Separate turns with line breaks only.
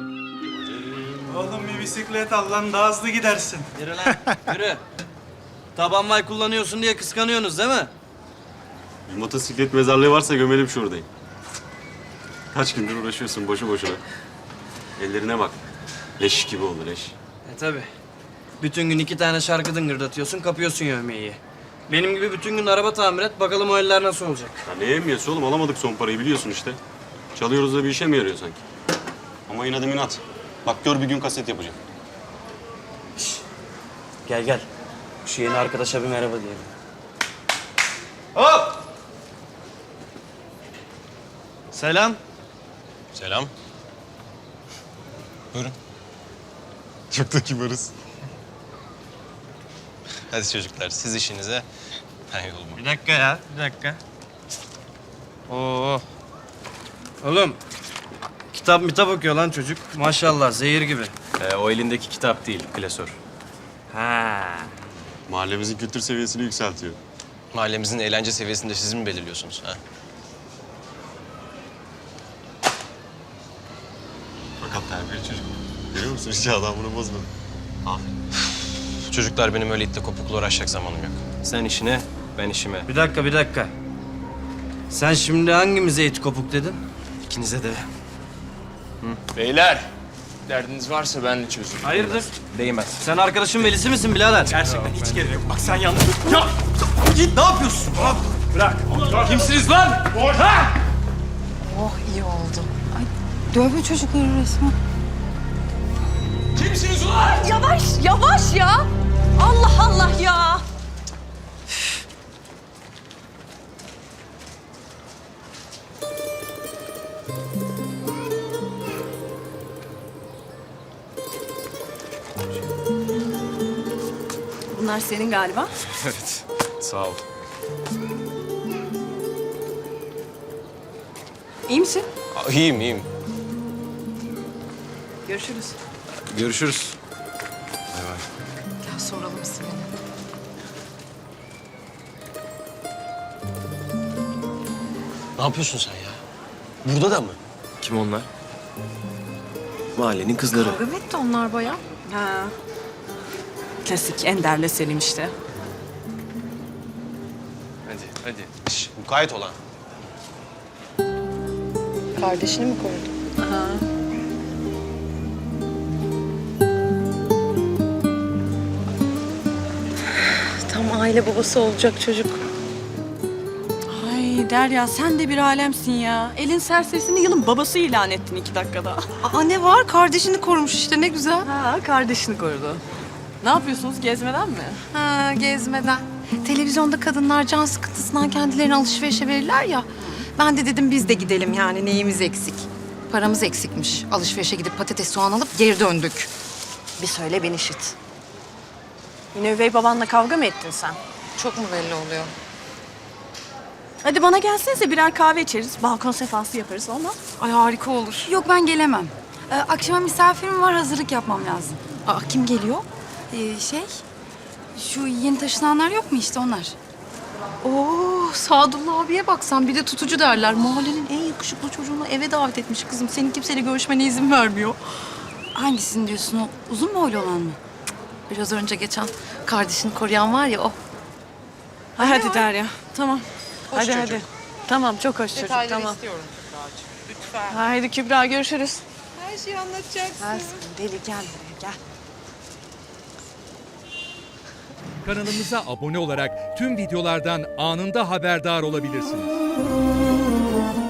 Oğlum bir bisiklet al lan, daha hızlı gidersin.
Yürü lan, yürü. Taban vay kullanıyorsun diye kıskanıyorsunuz değil mi?
Bir motosiklet mezarlığı varsa gömelim şuradayım. Kaç gündür uğraşıyorsun boşu boşuna. Ellerine bak. Leş gibi oldu leş.
Tabii. Bütün gün 2 tane şarkı dıngırdatıyorsun, kapıyorsun yövmeyi. Benim gibi bütün gün araba tamir et, bakalım o eller nasıl olacak.
Ya ne emniyesi oğlum, alamadık son parayı biliyorsun işte. Çalıyoruz da bir işe mi yarıyor sanki? Ama yine de minat. Bak gör bir gün kaset yapacağım.
Gel gel. Şu yeni arkadaşa bir merhaba diyelim. Hop! Selam.
Selam. Buyurun.
Çok da kibarız.
Hadi çocuklar siz işinize, ben yoluma.
Bir dakika ya, bir dakika. Oo. Oğlum, kitap okuyor lan çocuk. Maşallah, zehir gibi.
O elindeki kitap değil, klasör.
Ha.
Mahallemizin kültür seviyesini yükseltiyor.
Mahallemizin eğlence seviyesini de siz mi belirliyorsunuz? Ha?
Fakat terbiyeli çocuk. Görüyor musun? Hiç adam bunu bozmadı.
Çocuklar benim öyle itle kopukla uğraşacak zamanım yok. Sen işine, ben işime.
Bir dakika, bir dakika. Sen şimdi hangimize it kopuk dedin?
İkinize de.
Beyler, derdiniz varsa ben de çözüm.
Hayırdır?
Değmez.
Sen arkadaşın velisi misin birader?
Gerçekten hiç gerek yok. Bak sen yanlış...
Git, ne yapıyorsun?
Bırak. Kimsiniz lan? Ha?
Oh iyi oldu. Ay dövme çocukları resmen.
Kimsiniz ulan?
Yavaş yavaş ya. Allah Allah ya. Bunlar senin galiba.
Evet, sağ ol.
İyi misin?
İyiyim, iyiyim.
Görüşürüz.
Görüşürüz.
Gel soralım ismini.
Ne yapıyorsun sen ya? Burada da mı? Kim onlar? Mahallenin kızları.
Kavga mı etti onlar bayağı?
Ha. Klasik Ender'le Selim işte.
Hadi. Şş, mukayyet olan.
Kardeşini mi korudu? Tam aile babası olacak çocuk.
Ay Derya sen de bir alemsin ya. Elin serserisini yılın babası ilan ettin 2 dakikada.
Aa ne var? Kardeşini korumuş işte ne güzel.
Ha kardeşini korudu. Ne yapıyorsunuz gezmeden mi?
Ha gezmeden. Televizyonda kadınlar can sıkıntısından kendilerini alışverişe verirler ya. Ben de dedim biz de gidelim yani neyimiz eksik. Paramız eksikmiş. Alışverişe gidip patates soğan alıp geri döndük. Bir söyle ben işit.
Yine üvey babanla kavga mı ettin sen?
Çok mu belli oluyor?
Hadi bana gelsenize birer kahve içeriz. Balkon sefası yaparız olmaz.
Ay harika olur.
Yok ben gelemem. Akşama misafirim var, hazırlık yapmam lazım.
Aa kim geliyor?
Şu yeni taşınanlar yok mu işte onlar?
Oo Sadullah abiye bak sen bir de tutucu derler. Mahallenin en yakışıklı çocuğunu eve davet etmiş kızım. Senin kimseyle görüşmene izin vermiyor.
Hangisini diyorsun o? Uzun boylu olan mı?
Biraz önce geçen kardeşini koruyan var ya o.
Hadi Derya. Tamam. hadi
çocuk.
hadi. Tamam çok hoş çocuk tamam.
istiyorum lütfen.
Haydi Kübra görüşürüz.
Her şeyi anlatacaksın.
Deli gel buraya gel.
Kanalımıza abone olarak tüm videolardan anında haberdar olabilirsiniz.